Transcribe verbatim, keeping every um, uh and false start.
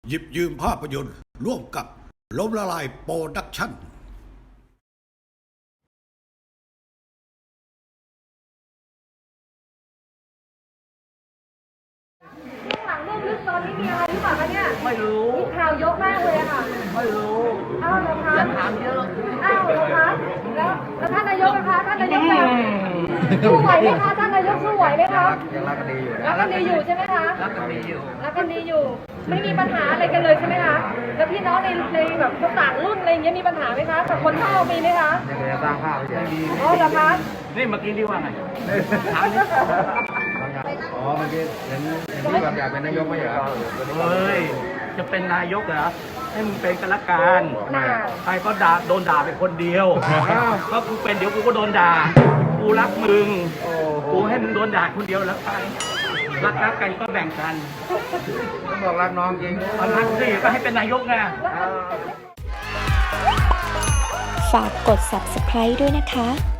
หยิบยืมภาพยนตร์ร่วมกับล้มละลายโปรดักชั่นหลังเรื่องลึกตอนนี้มีอะไรหรือเปล่าคะเนี่ยไม่รู้มีข่าวเยอะมากเลยอะค่ะไม่รู้อ้าวเหรอคะอย่าถามเยอะอ้าวเหรอคะแล้วแล้วท่านนายกนะคะท่านนายกจะสู้ไหวไหมคะท่านนายกสู้ไหวไหมคะยังรักกันดีอยู่รักกันดีอยู่ใช่ไหมคะรักกันดีอยู่รักกันดีอยู่ไม่มีปัญหาอะไรกันเลยใช่ไหมคะแล้วพี่น้องในในแบบต่างรุ่นอะไรอย่างเงี้ยมีปัญหาไหมคะกับคนเฒ่ามีไหมคะยังจะสร้างภาพไม่มีอ๋อเหรอคะนี่เมื่อกี้ที่ว่าไงถามนี่อ๋อเมื่อกี้เห็นเห็นที่แบบอยากเป็นนายกไม่เหรอเฮ้ยจะเป็นนายกเหรอให้มึงเป็นกันละกันใครก็ด่าโดนด่าเป็นคนเดียวเพราะกูเป็นเดี๋ยวกูก็โดนด่ากูรักมึงกูให้มึงโดนด่าคนเดียวแล้วกันรักรักกันก็แบ่งกันต้องบอกรักน้องจริงรักสิก็ให้เป็นนายกไงฝากกด ซับสไครบ์ ด้วยนะคะ